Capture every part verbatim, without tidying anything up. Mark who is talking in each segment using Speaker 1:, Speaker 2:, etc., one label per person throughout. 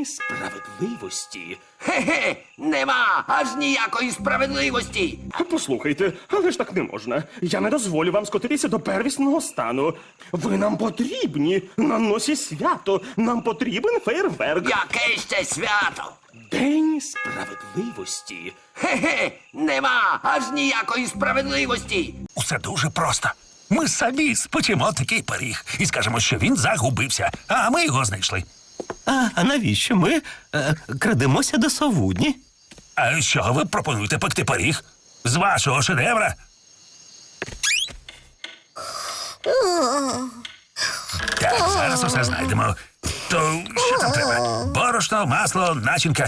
Speaker 1: День справедливості.
Speaker 2: Справедливості? Хе-хе, нема аж ніякої справедливості.
Speaker 1: Послухайте, але ж так не можна. Я не дозволю вам скотитися до первісного стану. Ви нам потрібні. На носі свято. Нам потрібен фейерверк.
Speaker 2: Яке ще свято?
Speaker 1: День
Speaker 2: Справедливості? Хе-хе, нема аж ніякої справедливості.
Speaker 3: Усе дуже просто. Ми самі спечемо такий пиріг і скажемо, що він загубився, а ми його знайшли.
Speaker 4: А, а навіщо ми е, крадемося до совудні?
Speaker 3: А що ви пропонуєте пекти пиріг? З вашого шедевра? Так, зараз усе знайдемо. То що там треба? Борошно, масло, начинка.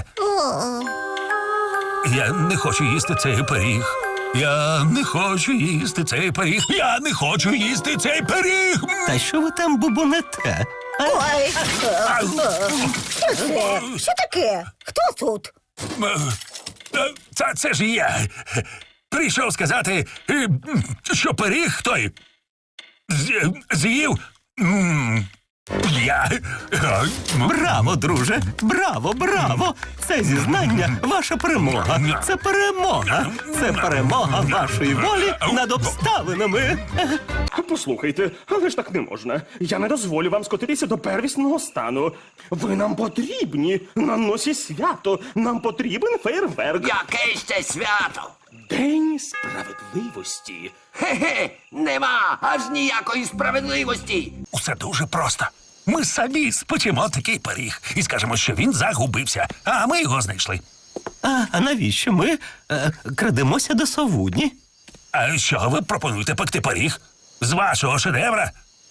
Speaker 3: Я не хочу їсти цей пиріг. Я не хочу їсти цей пиріг. Я не хочу їсти цей пиріг.
Speaker 4: Та що ви там бубонете? А,
Speaker 5: Ой,
Speaker 3: Ау.
Speaker 5: що це? Що таке? Хто тут?
Speaker 3: Е, Це, це ж я. Прийшов сказати, е, що пиріг той з- з'їв. м, Я. Е,
Speaker 4: браво, друже! Браво, браво! Це зізнання ваша перемога. Це перемога. Це перемога вашої волі над обставинами.
Speaker 1: Послухайте, але ж так не можна. Я не дозволю вам скотитися до первісного стану. Ви нам потрібні. На носі свято. Нам потрібен фейерверк.
Speaker 2: Яке ще свято?
Speaker 1: День
Speaker 2: Справедливості? Хе-хе, нема аж ніякої справедливості.
Speaker 3: Усе дуже просто. Ми самі спечемо такий пиріг і скажемо, що він загубився, а ми його знайшли.
Speaker 4: А, а навіщо ми е, крадемося до совудні?
Speaker 3: А що ви пропонуєте пекти пиріг? З вашого шедевра?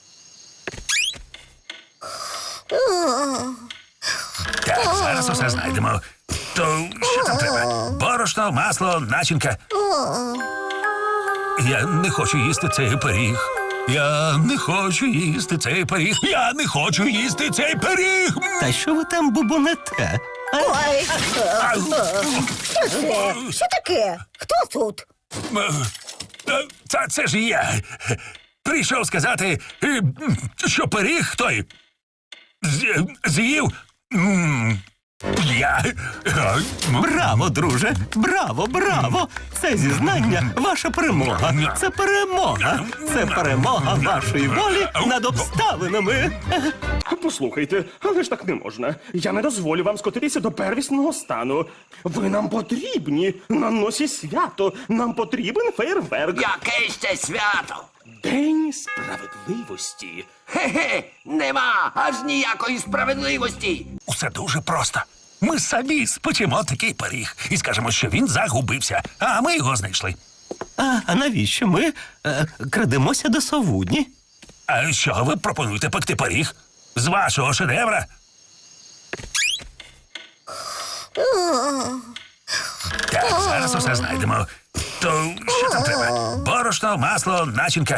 Speaker 3: Так, зараз усе знайдемо. То що там треба? Борошно, масло, начинка. Я не хочу їсти цей пиріг. Я не хочу їсти цей пиріг. Я не хочу їсти цей пиріг.
Speaker 4: Та що ви там бубонете? А,
Speaker 5: Ой,
Speaker 3: Ау.
Speaker 5: що це? Що таке? Хто тут?
Speaker 3: Е, Це, це ж я. Прийшов сказати, е, що пиріг той з- з'їв. м, Я. Е,
Speaker 4: браво, друже! Браво, браво! Це зізнання ваша перемога. Це перемога. Це перемога вашої волі над обставинами.
Speaker 1: Послухайте, але ж так не можна. Я не дозволю вам скотитися до первісного стану. Ви нам потрібні. На носі свято. Нам потрібен фейерверк.
Speaker 2: Яке ще свято?
Speaker 1: День
Speaker 2: Справедливості? Хе-хе, нема аж ніякої справедливості.
Speaker 3: Усе дуже просто. Ми самі спечемо такий пиріг і скажемо, що він загубився, а ми його знайшли.
Speaker 4: А, а навіщо ми е, крадемося до совудні?
Speaker 3: А що ви пропонуєте пекти пиріг? З вашого шедевра? Так, зараз усе знайдемо. То що там треба? Борошно, масло, начинка.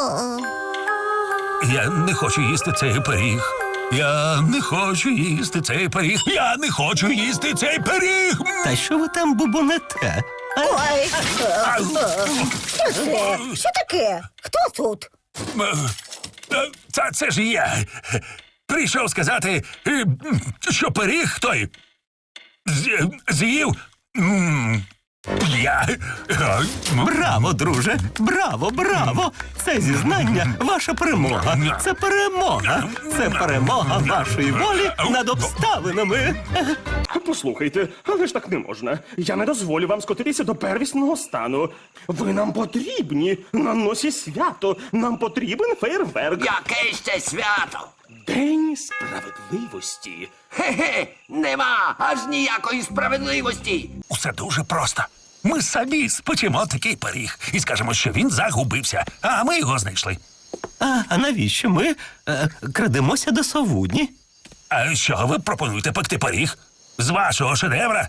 Speaker 3: Я не хочу їсти цей пиріг. Я не хочу їсти цей пиріг. Я не хочу їсти цей пиріг.
Speaker 4: Та що ви там бубонете? А,
Speaker 5: Ой,
Speaker 3: Ау.
Speaker 5: що це? Що таке? Хто тут?
Speaker 3: Е, Це, це ж я. Прийшов сказати, е, що пиріг той з- з'їв. м, Я. Е,
Speaker 4: браво, друже! Браво, браво! Це зізнання ваша перемога. Це перемога. Це перемога вашої волі над обставинами.
Speaker 1: Послухайте, але ж так не можна. Я не дозволю вам скотитися до первісного стану. Ви нам потрібні. На носі свято. Нам потрібен фейерверк.
Speaker 2: Яке ще свято?
Speaker 1: День
Speaker 2: Справедливості? Хе-хе, нема аж ніякої справедливості.
Speaker 3: Усе дуже просто. Ми самі спечемо такий пиріг і скажемо, що він загубився, а ми його знайшли.
Speaker 4: А, а навіщо ми е, крадемося до совудні?
Speaker 3: А що ви пропонуєте пекти пиріг? З вашого шедевра?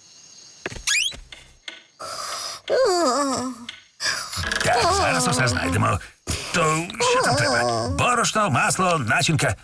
Speaker 3: Так, зараз усе знайдемо. То що там треба? Борошно, масло, начинка.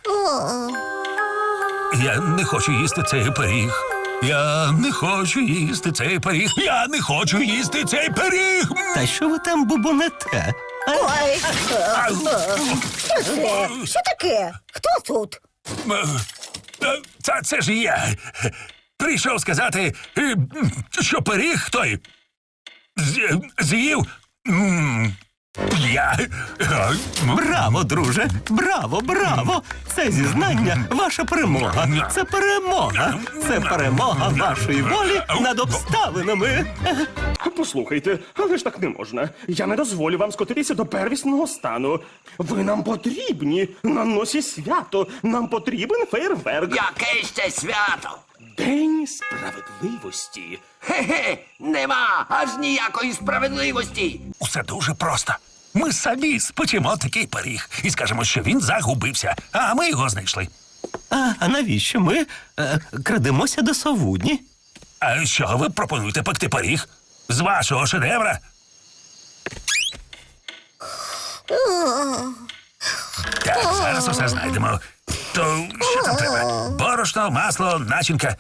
Speaker 3: Я не хочу їсти цей пиріг. Я не хочу їсти цей пиріг. Я не хочу їсти цей пиріг.
Speaker 4: Та що ви там бубонете? А,
Speaker 5: Ой,
Speaker 3: Ау.
Speaker 5: що це? Що таке? Хто тут?
Speaker 3: Е, Е, Це, це ж я. Прийшов сказати, е, що пиріг той з- з'їв. м, Я. Е, м,
Speaker 4: Браво, друже! Браво, браво! Це зізнання ваша перемога. Це перемога. Це перемога вашої волі над обставинами.
Speaker 1: Послухайте, але ж так не можна. Я не дозволю вам скотитися до первісного стану. Ви нам потрібні на носі свято. Нам потрібен фейерверк.
Speaker 2: Яке ще свято?
Speaker 1: День сп...
Speaker 2: Справедливості? Хе-хе, нема аж ніякої справедливості.
Speaker 3: Усе дуже просто. Ми самі спечемо такий пиріг і скажемо, що він загубився, а ми його знайшли.
Speaker 4: А, а навіщо ми е, крадемося до совудні?
Speaker 3: А що ви пропонуєте пекти пиріг? З вашого шедевра? Так, зараз усе знайдемо. То що там треба? Борошно, масло, начинка.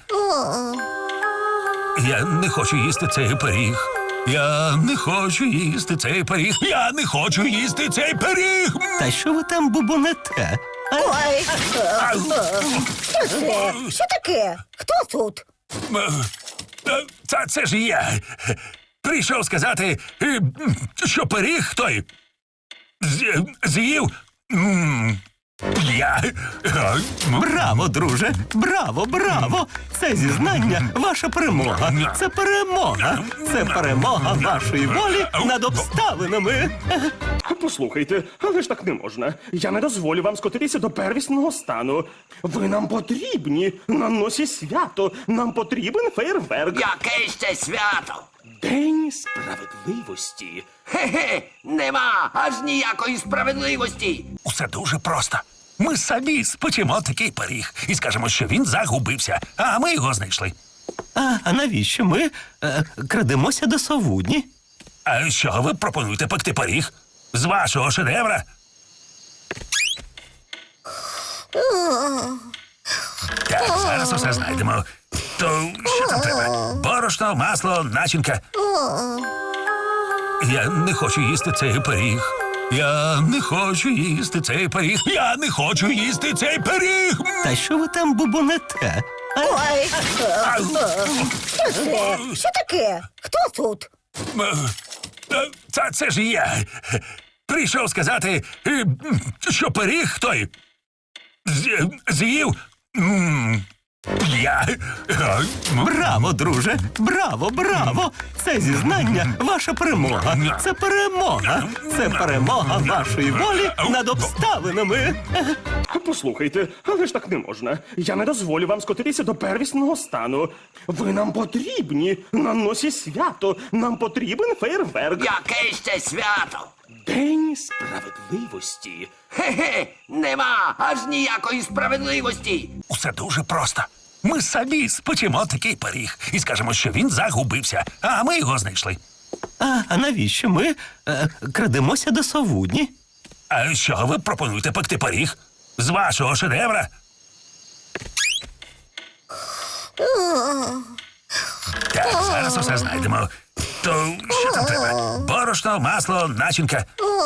Speaker 3: Я не хочу їсти цей пиріг. Я не хочу їсти цей пиріг. Я не хочу їсти цей пиріг.
Speaker 4: Та що ви там бубонете? А,
Speaker 5: Ой,
Speaker 3: Ау.
Speaker 5: що це? Що таке? Хто тут?
Speaker 3: Е, Це, це ж я. Прийшов сказати, е, що пиріг той з- з'їв. м, Я. Е, м,
Speaker 4: Браво, друже! Браво, браво! Це зізнання ваша перемога. Це перемога. Це перемога вашої волі над обставинами.
Speaker 1: Послухайте, але ж так не можна. Я не дозволю вам скотитися до первісного стану. Ви нам потрібні на носі свято. Нам потрібен фейерверк.
Speaker 2: Яке ще свято?
Speaker 1: День сп...
Speaker 2: Справедливості? Хе-хе, нема аж ніякої справедливості.
Speaker 3: Усе дуже просто. Ми самі спечемо такий пиріг і скажемо, що він загубився, а ми його знайшли.
Speaker 4: А, а навіщо ми е, крадемося до совудні?
Speaker 3: А що ви пропонуєте пекти пиріг? З вашого шедевра? Так, зараз усе знайдемо. То що там треба? Борошно, масло, начинка. Я не хочу їсти цей пиріг. Я не хочу їсти цей пиріг. Я не хочу їсти цей пиріг.
Speaker 4: Та що ви там бубонете? А,
Speaker 5: Ой,
Speaker 3: Ау.
Speaker 5: що це? Що таке? Хто тут?
Speaker 3: Е, Це, це ж я. Прийшов сказати, е, що пиріг той з- з'їв. м, Я. Е, м,
Speaker 4: Браво, друже! Браво, браво! Це зізнання ваша перемога. Це перемога. Це перемога вашої волі над обставинами.
Speaker 1: Послухайте, але ж так не можна. Я не дозволю вам скотитися до первісного стану. Ви нам потрібні на носі свято. Нам потрібен фейерверк.
Speaker 2: Яке ще свято?
Speaker 1: День сп...
Speaker 2: Справедливості? Хе-хе, нема аж ніякої справедливості.
Speaker 3: Усе дуже просто. Ми самі спечемо такий пиріг і скажемо, що він загубився, а ми його знайшли.
Speaker 4: А, а навіщо ми е, крадемося до совудні?
Speaker 3: А що ви пропонуєте пекти пиріг? З вашого шедевра? Так, зараз усе знайдемо. То що там треба? Борошно, масло, начинка.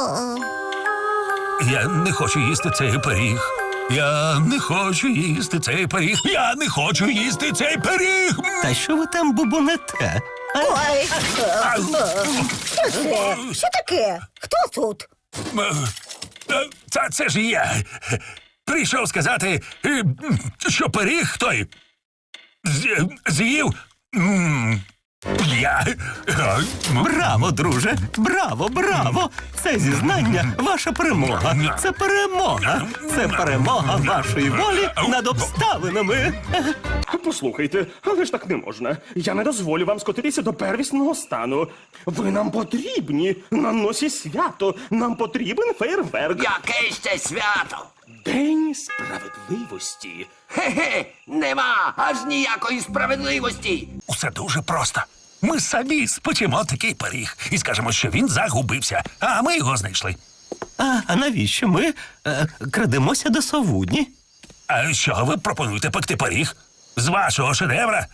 Speaker 3: Я не хочу їсти цей пиріг. Я не хочу їсти цей пиріг. Я не хочу їсти цей пиріг.
Speaker 4: Та що ви там бубонете? А,
Speaker 5: Ой,
Speaker 3: Ау.
Speaker 5: що це? Що таке? Хто тут?
Speaker 3: Е, Це, це ж я. Прийшов сказати, е, що пиріг той з- з'їв. м, Я. Е, м,
Speaker 4: Браво, друже! Браво, браво! Це зізнання ваша перемога. Це перемога. Це перемога вашої волі над обставинами.
Speaker 1: Послухайте, але ж так не можна. Я не дозволю вам скотитися до первісного стану. Ви нам потрібні на носі свято. Нам потрібен фейерверк.
Speaker 2: Яке ще свято?
Speaker 1: День сп...
Speaker 2: Справедливості? Хе-хе, нема аж ніякої справедливості.
Speaker 3: Усе дуже просто. Ми самі спечемо такий пиріг і скажемо, що він загубився, а ми його знайшли.
Speaker 4: А, а навіщо ми е, крадемося до совудні?
Speaker 3: А що ви пропонуєте пекти пиріг? З вашого шедевра?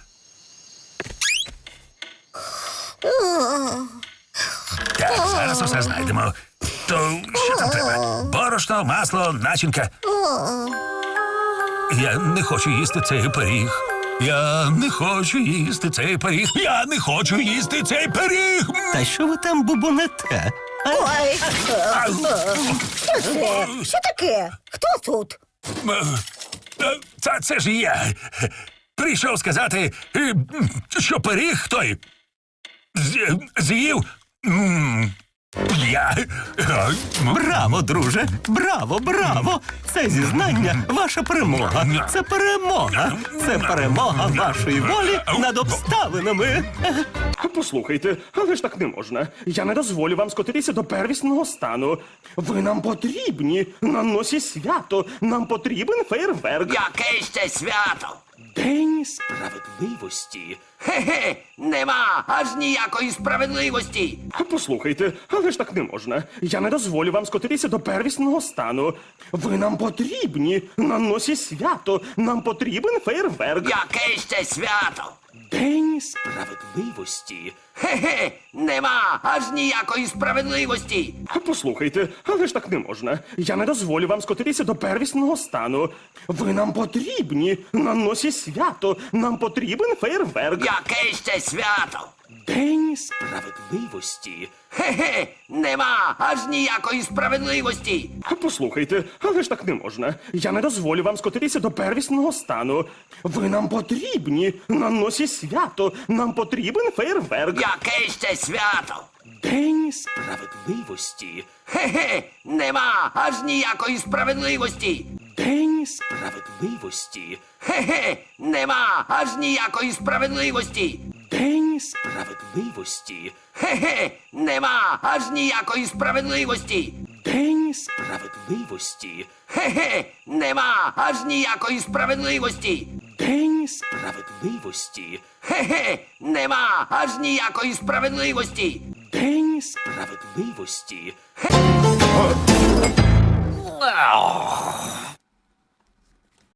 Speaker 3: Так, зараз усе знайдемо. То що там треба? Борошно, масло, начинка. Я не хочу їсти цей пиріг. Я не хочу їсти цей пиріг. Я не хочу їсти цей пиріг.
Speaker 4: Та що ви там бубонете? А?
Speaker 5: Ой, що це? Що таке? Хто тут?
Speaker 3: Е, Це, це ж я. Прийшов сказати, е, що пиріг той з- з'їв. м, Я. е, м,
Speaker 4: Браво, друже! Браво, браво! Це зізнання ваша перемога. Це перемога. Це перемога вашої волі над обставинами.
Speaker 1: Послухайте, але ж так не можна. Я не дозволю вам скотитися до первісного стану. Ви нам потрібні на носі свято. Нам потрібен фейерверк.
Speaker 2: Яке ще свято?
Speaker 1: День сп...
Speaker 2: Справедливості? Хе-хе, нема аж ніякої справедливості.
Speaker 1: Послухайте, але ж так не можна. Я не дозволю вам скотитися до первісного стану. Ви нам потрібні на носі свято. Нам потрібен фейерверк.
Speaker 2: Яке ще свято?
Speaker 1: День сп...
Speaker 2: Справедливості? Хе-хе, нема аж ніякої справедливості.
Speaker 1: Послухайте, але ж так не можна. Я не дозволю вам скотитися до первісного стану. Ви нам потрібні на носі свято. Нам потрібен фейерверк.
Speaker 2: Яке ще свято?
Speaker 1: День сп...
Speaker 2: Справедливості? Хе-хе, нема аж ніякої справедливості.
Speaker 1: Послухайте, але ж так не можна. Я не дозволю вам скотитися до первісного стану. Ви нам потрібні на носі свято. Нам потрібен фейерверк.
Speaker 2: Яке ще свято?
Speaker 1: День сп...
Speaker 2: Справедливості? Хе-хе, нема аж ніякої справедливості.
Speaker 1: День сп...
Speaker 2: Справедливості? Хе-хе, нема аж ніякої справедливості.
Speaker 1: День сп...
Speaker 2: Справедливості? Хе-хе, нема аж ніякої справедливості.
Speaker 1: День сп...
Speaker 2: Справедливості? Хе-хе, нема аж ніякої справедливості.
Speaker 1: День сп...
Speaker 2: Справедливості? Хе-хе, нема аж ніякої справедливості.
Speaker 1: День сп...
Speaker 2: Справедливості? Хе-